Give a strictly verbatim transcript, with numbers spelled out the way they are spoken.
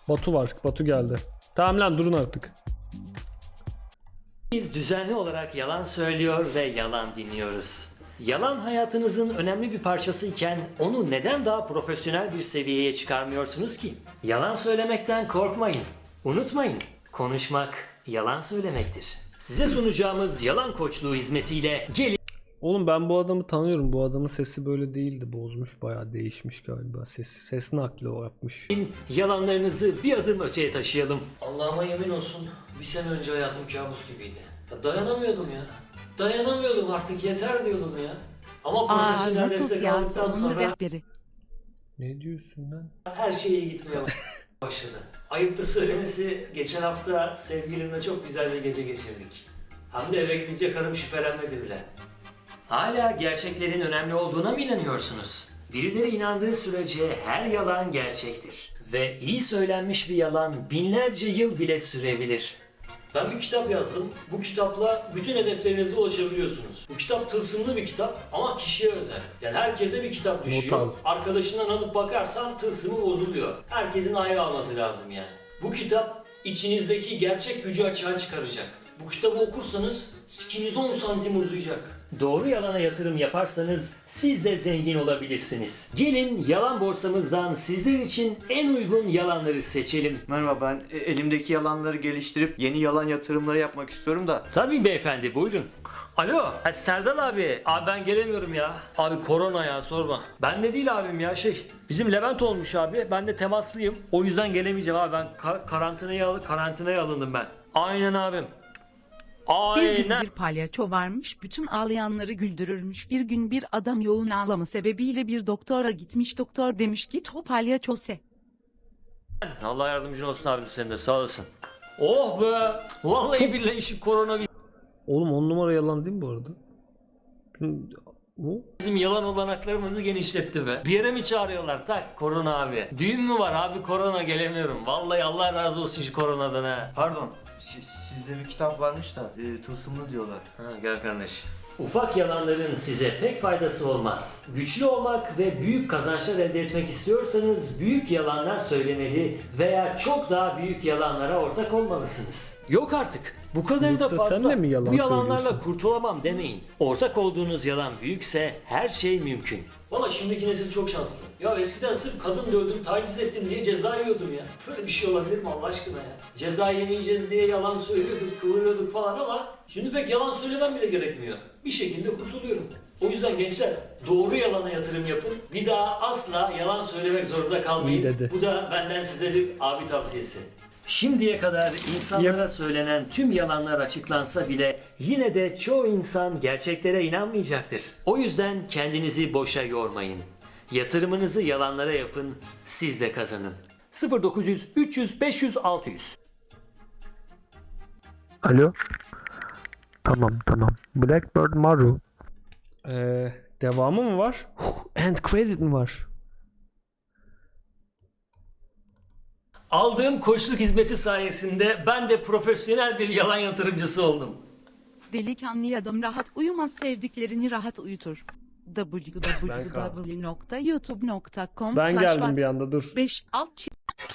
Batu var. Batu geldi. Tamam lan durun artık. Biz düzenli olarak yalan söylüyor ve yalan dinliyoruz. Yalan hayatınızın önemli bir parçası iken onu neden daha profesyonel bir seviyeye çıkarmıyorsunuz ki? Yalan söylemekten korkmayın. Unutmayın, konuşmak yalan söylemektir. Size sunacağımız yalan koçluğu hizmetiyle gelin Oğlum ben bu adamı tanıyorum. Bu adamın sesi böyle değildi. Bozmuş, bayağı değişmiş galiba. Sesi, ses nakli o yapmış. yalanlarınızı bir adım öteye taşıyalım. Allah'ıma yemin olsun bir sene önce hayatım kabus gibiydi. Ya dayanamıyordum ya. Dayanamıyordum artık yeter diyordum ya. Ama Aa, profesyonel nasıl destek siyasi aldıktan onur sonra rehberi. Ne diyorsun lan? her şey iyi gitmeye başladı. Ayıptır söylemesi, geçen hafta sevgilimle çok güzel bir gece geçirdik. Hem de eve gidince karım şüphelenmedi bile. Hala gerçeklerin önemli olduğuna mı inanıyorsunuz? Birileri inandığı sürece her yalan gerçektir. Ve iyi söylenmiş bir yalan binlerce yıl bile sürebilir. Ben bir kitap yazdım. Bu kitapla bütün hedeflerinize ulaşabiliyorsunuz. Bu kitap tılsımlı bir kitap ama kişiye özel. Yani herkese bir kitap düşüyor. al. Arkadaşından alıp bakarsan tılsımı bozuluyor. Herkesin ayrı alması lazım yani. Bu kitap içinizdeki gerçek gücü açığa çıkaracak. Bu kitabı okursanız sikiniz on santim uzayacak. Doğru yalana yatırım yaparsanız siz de zengin olabilirsiniz. Gelin yalan borsamızdan sizler için en uygun yalanları seçelim. Merhaba, ben e, elimdeki yalanları geliştirip yeni yalan yatırımları yapmak istiyorum da. Tabii beyefendi, buyurun. Alo, ha, Serdal abi. Abi ben gelemiyorum ya. Abi korona ya, sorma. Ben de değil abim ya, şey. Bizim Levent olmuş abi. Ben de temaslıyım. O yüzden gelemeyeceğim abi. Ben ka- karantinaya, al- karantinaya alındım ben. Aynen abim. Bir gün Aynen. bir palyaço varmış, bütün ağlayanları güldürürmüş. Bir gün bir adam yoğun ağlama sebebiyle bir doktora gitmiş. Doktor demiş ki o palyaço se. Allah yardımcın olsun abim, senin de sağ olasın. Oh be. Vallahi billahi şu korona Oğlum on numara yalan değil mi bu arada? Bu? bizim yalan olanaklarımızı genişletti be. Bir yere mi çağırıyorlar? Tak, korona abi. Düğün mü var abi, korona, gelemiyorum. Vallahi Allah razı olsun şu koronadan ha. Pardon, si- sizde bir kitap varmış da e, tılsımlı diyorlar. Ha, gel kardeş. Ufak yalanların size pek faydası olmaz. Güçlü olmak ve büyük kazançlar elde etmek istiyorsanız büyük yalanlar söylemeli veya çok daha büyük yalanlara ortak olmalısınız. Yok artık. Bu kadar Yoksa da fazla. sen de mi yalan Bu yalanlarla söylüyorsun? kurtulamam demeyin. Ortak olduğunuz yalan büyükse her şey mümkün. Valla şimdiki nesil çok şanslı. Ya eskiden sırf kadın dövdüm, taciz ettim diye ceza yiyordum ya. Böyle bir şey olabilir mi Allah aşkına ya? Ceza yemeyeceğiz diye yalan söylüyorduk, kıvırıyorduk falan ama şimdi pek yalan söylemem bile gerekmiyor. Bir şekilde kurtuluyorum. O yüzden gençler doğru yalana yatırım yapın. Bir daha asla yalan söylemek zorunda kalmayın. İyi dedi. Bu da benden size bir abi tavsiyesi. Şimdiye kadar insanlara söylenen tüm yalanlar açıklansa bile yine de çoğu insan gerçeklere inanmayacaktır. O yüzden kendinizi boşa yormayın. Yatırımınızı yalanlara yapın, siz de kazanın. sıfır dokuz yüz üç yüz beş yüz altı yüz Alo. Tamam tamam. Blackbird Maru. Ee, devamı mı var? End credit mi var? Aldığım koçluk hizmeti sayesinde ben de profesyonel bir yalan yatırımcısı oldum. Delikanlı adam rahat uyumaz, sevdiklerini rahat uyutur. w w w nokta youtube nokta com Ben geldim bir anda dur. beş alt